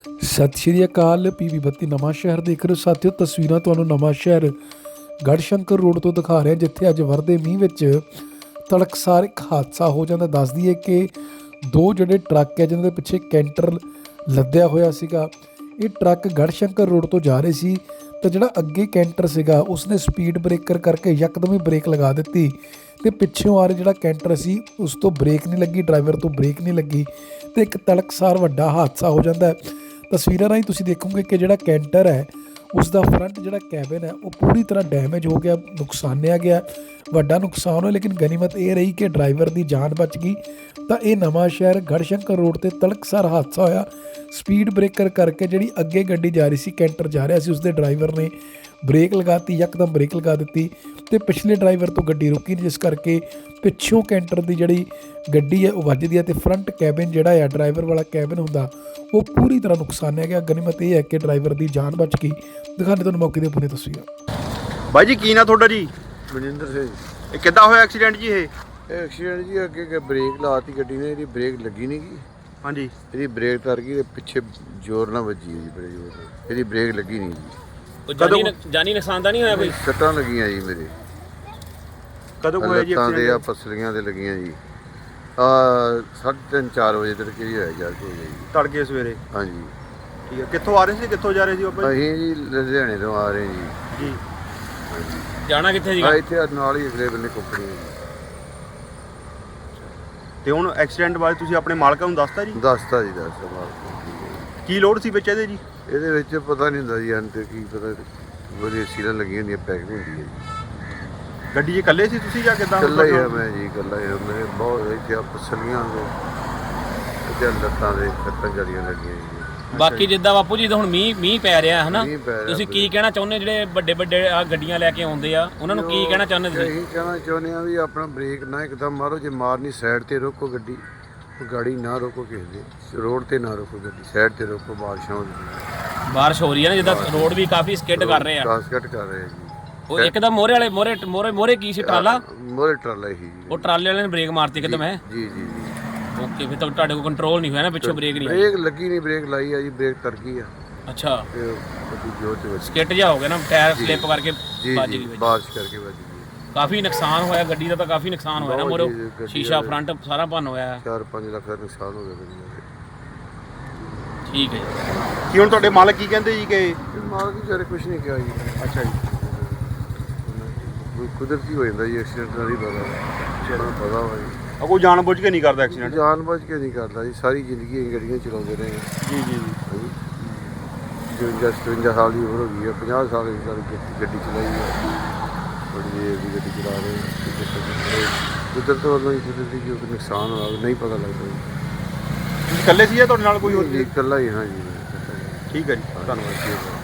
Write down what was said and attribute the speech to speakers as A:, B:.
A: ਸਤਿ ਸ਼੍ਰੀ ਅਕਾਲ। ਪੀਵੀ 32 ਨਵਾਂ ਸ਼ਹਿਰ ਦੇਖ ਰਹੇ ਹੋ ਸਾਥੀਓ। ਤਸਵੀਰਾਂ ਤੁਹਾਨੂੰ ਨਵਾਂ ਸ਼ਹਿਰ ਗੜਸ਼ੰਕਰ ਰੋਡ ਤੋਂ ਦਿਖਾ ਰਿਹਾ, ਜਿੱਥੇ ਅੱਜ ਵਰਦੇ ਮੀਂਹ ਵਿੱਚ ਤੜਕਸਾਰ ਇੱਕ ਹਾਦਸਾ ਹੋ ਜਾਂਦਾ। ਦੱਸ ਦਈਏ ਕਿ ਦੋ ਜਿਹੜੇ ਟਰੱਕ ਹੈ ਜਿਨ੍ਹਾਂ ਦੇ ਪਿੱਛੇ ਕੈਂਟਰ ਲੱਦਿਆ ਹੋਇਆ ਸੀਗਾ, ਇਹ ਟਰੱਕ ਗੜਸ਼ੰਕਰ ਰੋਡ ਤੋਂ ਜਾ ਰਹੇ ਸੀ ਤਾਂ ਜਿਹੜਾ ਅੱਗੇ ਕੈਂਟਰ ਸੀਗਾ ਉਸਨੇ ਸਪੀਡ ਬ੍ਰੇਕਰ ਕਰਕੇ ਯਕਦਮ ਹੀ ਬ੍ਰੇਕ ਲਗਾ ਦਿੱਤੀ ਤੇ ਪਿੱਛੋਂ ਆ ਰਿਹਾ ਜਿਹੜਾ ਕੈਂਟਰ ਸੀ ਉਸ ਤੋਂ ਬ੍ਰੇਕ ਨਹੀਂ ਲੱਗੀ, ਡਰਾਈਵਰ ਤੋਂ ਬ੍ਰੇਕ ਨਹੀਂ ਲੱਗੀ ਤੇ ਇੱਕ ਤੜਕਸਾਰ ਵੱਡਾ ਹਾਦਸਾ ਹੋ ਜਾਂਦਾ ਹੈ। ਤਸਵੀਰਾਂ ਰਾਹੀਂ ਤੁਸੀਂ ਦੇਖੋਗੇ ਕਿ ਜਿਹੜਾ ਕੈਂਟਰ ਹੈ ਉਸ ਦਾ ਫਰੰਟ ਜਿਹੜਾ ਕੈਬਨ ਹੈ ਉਹ ਪੂਰੀ ਤਰ੍ਹਾਂ ਡੈਮੇਜ ਹੋ ਗਿਆ, ਨੁਕਸਾਨਿਆ ਗਿਆ, ਵੱਡਾ ਨੁਕਸਾਨ ਹੋਇਆ। ਲੇਕਿਨ ਗਨੀਮਤ ਇਹ ਰਹੀ ਕਿ ਡਰਾਈਵਰ ਦੀ ਜਾਨ ਬਚ ਗਈ। ਤਾਂ ਇਹ ਨਵਾਂ ਸ਼ਹਿਰ ਗੜਸ਼ੰਕਰ ਰੋਡ ਤੇ ਤੜਕਸਾਰ ਹਾਦਸਾ ਹੋਇਆ। ਸਪੀਡ ਬ੍ਰੇਕਰ ਕਰਕੇ ਜਿਹੜੀ ਅੱਗੇ ਗੱਡੀ ਜਾ ਰਹੀ ਸੀ, ਕੈਂਟਰ ਜਾ ਰਿਹਾ ਸੀ, ਉਸਦੇ ਡਰਾਈਵਰ ਨੇ ਬ੍ਰੇਕ ਲਗਾਤੀ, ਯਕਦਮ ਬ੍ਰੇਕ ਲਗਾ ਦਿੱਤੀ ਤੇ ਪਿਛਲੇ ਡਰਾਈਵਰ ਤੋਂ ਗੱਡੀ ਰੁਕੀ ਨਹੀਂ, ਜਿਸ ਕਰਕੇ ਪਿੱਛੋਂ ਕੈਂਟਰ ਦੀ ਜਿਹੜੀ ਗੱਡੀ ਹੈ ਉਹ ਵੱਜਦੀ ਹੈ ਤੇ ਫਰੰਟ ਕੈਬਨ ਜਿਹੜਾ ਹੈ ਡਰਾਈਵਰ ਵਾਲਾ ਕੈਬਨ ਹੁੰਦਾ ਉਹ ਪੂਰੀ ਤਰ੍ਹਾਂ ਨੁਕਸਾਨਿਆ ਗਿਆ। ਗਨੀਮਤ ਇਹ ਹੈ ਕਿ ਡਰਾਈਵਰ ਦੀ ਜਾਨ ਬਚ ਗਈ। ਦਿਖਾਣੇ ਤੁਹਾਨੂੰ ਮੌਕੇ ਦੇ ਪੂਰੇ ਤਸਵੀਰਾਂ।
B: ਬਾਈ ਜੀ ਕੀ ਨਾਂ ਤੁਹਾਡਾ ਜੀ?
C: ਮਨਿੰਦਰ ਸਿੰਘ।
B: ਇਹ ਕਿੱਦਾਂ ਹੋਇਆ ਐਕਸੀਡੈਂਟ ਜੀ?
C: ਇਹ ਐਕਸੀਡੈਂਟ ਜੀ ਅੱਗੇ ਬ੍ਰੇਕ ਲਾਤੀ ਗੱਡੀ ਨੇ, ਇਹਦੀ ਬ੍ਰੇਕ ਲੱਗੀ ਨਹੀਂ ਗਈ।
B: ਹਾਂਜੀ,
C: ਇਹਦੀ ਬ੍ਰੇਕ ਤਰ ਗਈ ਤੇ ਪਿੱਛੇ ਜ਼ੋਰ ਨਾਲ ਵੱਜੀ ਜੀ, ਬੜੇ ਜ਼ੋਰ ਨਾਲ। ਇਹਦੀ ਬ੍ਰੇਕ ਲੱਗੀ ਨਹੀਂ ਜੀ।
D: ਜਾਨੀ ਨੁਕਸਾਨ ਤਾਂ ਨਹੀਂ ਹੋਇਆ ਕੋਈ?
C: ਸੱਟਾਂ ਲੱਗੀਆਂ ਜੀ ਮੇਰੇ।
B: ਕਦੋਂ ਹੋਇਆ ਜੀ
C: ਲੱਤਾਂ ਦੇ ਆ
B: ਐਕਸੀਡੈਂਟ?
C: ਪਸਲੀਆਂ ਤੇ ਲੱਗੀਆਂ ਜੀ। 3:30 4 ਵਜੇ ਤੱਕ ਹੀ ਹੋਇਆ ਜਾ ਕੇ ਜੀ।
B: ਤੜਕੇ ਸਵੇਰੇ?
C: ਹਾਂਜੀ।
B: ਠੀਕ ਹੈ, ਕਿੱਥੋਂ ਆ ਰਹੇ ਸੀ, ਕਿੱਥੋਂ ਜਾ ਰਹੇ ਸੀ ਬਾਬਾ ਜੀ?
C: ਅਸੀਂ ਜੀ ਲੁਧਿਆਣੇ ਤੋਂ ਆ ਰਹੇ ਜੀ।
B: ਜੀ,
D: ਜਾਣਾ ਕਿੱਥੇ ਸੀਗਾ?
C: ਇੱਥੇ ਨਾਲ ਹੀ ਅਗਲੇ ਬੰਨੇ ਕੰਪਨੀ ਹੈ ਜੀ।
B: ਤੇ ਹੁਣ ਐਕਸੀਡੈਂਟ ਬਾਰੇ ਤੁਸੀਂ ਆਪਣੇ ਮਾਲਕਾਂ ਨੂੰ ਦੱਸਤਾ ਜੀ?
C: ਦੱਸਤਾ ਜੀ, ਦੱਸਤਾ ਮਾਲਕ।
B: ਕੀ ਲੋਡ ਸੀ ਵਿੱਚ ਇਹਦੇ ਜੀ?
C: ਇਹਦੇ ਵਿੱਚ ਪਤਾ ਨਹੀਂ ਹੁੰਦਾ ਜੀ, ਅੰਤ ਕੀ ਪਤਾ, ਉਹਦੀ ਸੀਲਾਂ ਲੱਗੀਆਂ ਹੁੰਦੀਆਂ, ਪੈਕਿੰਗ ਹੁੰਦੀ ਹੈ ਜੀ।
B: ਗੱਡੀ 'ਚ ਇਕੱਲੇ ਸੀ ਤੁਸੀਂ ਜਾਂ ਕਿੱਦਾਂ?
C: ਇਕੱਲਾ ਹੀ ਆ ਮੈਂ ਜੀ, ਇਕੱਲਾ ਹੀ ਆ। ਮੇਰੇ ਬਹੁਤ ਇੱਥੇ ਆ ਪਸਲੀਆਂ ਦੇ ਤੇ ਲੱਤਾਂ ਦੇ ਕੱਟਾਂ ਜੜੀਆਂ ਲੱਗੀਆਂ ਜੀ।
D: ਬਾਕੀ ਜਿੱਦਾਂ ਬਾਪੂ ਜੀ ਹੁਣ ਮੀਂਹ ਪੈ ਰਿਹਾ ਹੈ ਨਾ,
C: ਮੀਂਹ ਪੈ ਰਿਹਾ
D: ਤੁਸੀਂ ਕੀ ਕਹਿਣਾ ਚਾਹੁੰਦੇ ਜਿਹੜੇ ਵੱਡੇ ਆ ਗੱਡੀਆਂ ਲੈ ਕੇ ਆਉਂਦੇ ਆ, ਉਹਨਾਂ ਨੂੰ ਕੀ ਕਹਿਣਾ ਚਾਹੁੰਦੇ ਤੁਸੀਂ?
C: ਇਹੀ ਕਹਿਣਾ ਚਾਹੁੰਦੇ ਆ ਵੀ ਆਪਣਾ ਬ੍ਰੇਕ ਨਾ ਇੱਕਦਮ ਮਾਰੋ, ਜੇ ਮਾਰਨੀ ਸਾਈਡ ਤੇ ਰੋਕੋ ਗੱਡੀ, ਗਾੜੀ ਨਾ ਰੋਕੋ ਕਿਸੇ ਦੇ, ਰੋਡ ਤੇ ਨਾ ਰੋਕੋ ਗੱਡੀ, ਸਾਈਡ ਤੇ ਰੋਕੋ। ਬਾਰਿਸ਼ਾਂ ਹੋ ਰਹੀਆਂ,
D: ਬਾਰਿਸ਼ ਹੋ ਰਹੀ ਹੈ ਨਾ, ਜਿੱਦਾਂ ਰੋਡ ਵੀ ਕਾਫੀ ਸਕਿੱਡ ਕਰ ਰਹੇ ਆ।
C: ਕਾਸਕਟ ਕਰ ਰਹੇ ਆ ਜੀ।
D: ਉਹ ਇੱਕਦਮ ਮੋਰੇ ਕੀ ਸੀ ਟਰਾਲਾ?
C: ਮੋਰੇ ਟਰਾਲਾ ਹੀ ਜੀ।
D: ਉਹ ਟਰਾਲੇ ਵਾਲੇ ਨੇ ਬ੍ਰੇਕ ਮਾਰਤੀ ਇੱਕਦਮ ਹੈ?
C: ਜੀ ਜੀ ਜੀ।
D: ਓਕੇ, ਫਿਰ ਤਾਂ ਤੁਹਾਡੇ ਕੋਲ ਕੰਟਰੋਲ ਨਹੀਂ ਹੋਇਆ ਨਾ, ਪਿੱਛੋਂ ਬ੍ਰੇਕ ਨਹੀਂ ਆਈ?
C: ਬ੍ਰੇਕ ਲੱਗੀ ਨਹੀਂ, ਬ੍ਰੇਕ ਲਾਈ ਆ ਜੀ, ਬ੍ਰੇਕ ਤਰ ਗਈ ਆ
D: ਅੱਛਾ,
C: ਤੇ ਗੱਡੀ ਜੋਰ ਤੇ ਵੱਜੀ।
D: ਸਕਿੱਡ ਜਾ ਹੋ ਗਿਆ ਨਾ, ਟਾਇਰ ਸਲਿੱਪ ਕਰਕੇ
C: ਜੀ
D: ਵੱਜ
C: ਜੀ,
D: ਗਈ ਵਿੱਚ।
C: ਬਾਰਿਸ਼ ਕਰਕੇ ਵੱਜ ਗਈ।
D: ਕਾਫੀ ਨੁਕਸਾਨ ਹੋਇਆ ਗੱਡੀ ਦਾ, ਤਾਂ ਕਾਫੀ ਨੁਕਸਾਨ ਹੋਇਆ ਨਾ, ਮੋਰੇ
C: ਬਹੁਤ ਜੀ, ਗੱਡੀ
D: ਸ਼ੀਸ਼ਾ
C: ਦਾ
D: ਫਰੰਟ ਸਾਰਾ ਭੰਨ ਹੋਇਆ।
C: 4-5 ਲੱਖ ਦਾ ਨੁਕਸਾਨ ਹੋ ਗਿਆ ਗੱਡੀ ਦਾ।
D: ਠੀਕ ਹੈ ਜੀ।
B: ਕੀ ਹੁਣ ਤੁਹਾਡੇ ਮਾਲਕ ਕੀ ਕਹਿੰਦੇ ਜੀ ਕਿ?
C: ਮਾਲਕ ਜੀ ਵਿਚਾਰੇ ਕੁਛ ਨਹੀਂ ਕਿਹਾ ਜੀ।
B: ਅੱਛਾ ਜੀ,
C: ਕੋਈ ਕੁਦਰਤੀ ਹੋ ਜਾਂਦਾ ਜੀ, ਐਕਸੀਡੈਂਟ ਨਾਲ ਹੀ ਪਤਾ ਵਾ ਜੀ।
B: ਕੋਈ ਜਾਣ ਬੁੱਝ ਕੇ ਨਹੀਂ ਕਰਦਾ ਐਕਸੀਡੈਂਟ?
C: ਜਾਨ ਬੁੱਝ ਕੇ ਨਹੀਂ ਕਰਦਾ ਜੀ, ਸਾਰੀ ਜ਼ਿੰਦਗੀ ਅਸੀਂ ਗੱਡੀਆਂ ਚਲਾਉਂਦੇ ਰਹੇ ਹਾਂ।
B: ਜੀ ਜੀ ਜੀ।
C: 57 ਸਾਲ ਦੀ ਉਮਰ ਹੋ ਗਈ ਹੈ, 50 ਸਾਲ ਦੀ ਗੱਡੀ ਚਲਾਈ ਹੈ, ਬੜੀ ਦੇਰ ਦੀ ਗੱਡੀ ਚਲਾ ਰਹੇ ਹਾਂ। ਕੁਦਰਤ ਵੱਲੋਂ ਹੀ ਕੁਦਰਤੀ ਜੋ ਨੁਕਸਾਨ ਹੋਇਆ ਨਹੀਂ ਪਤਾ ਲੱਗਦਾ ਜੀ।
B: ਤੁਸੀਂ ਇਕੱਲੇ ਸੀ ਜਾਂ ਤੁਹਾਡੇ ਨਾਲ ਕੋਈ ਹੋਰ
C: ਜੀ
B: ਸੀ?
C: ਇਕੱਲਾ ਹੀ ਹਾਂ ਜੀ।
B: ਠੀਕ ਹੈ ਜੀ, ਧੰਨਵਾਦ।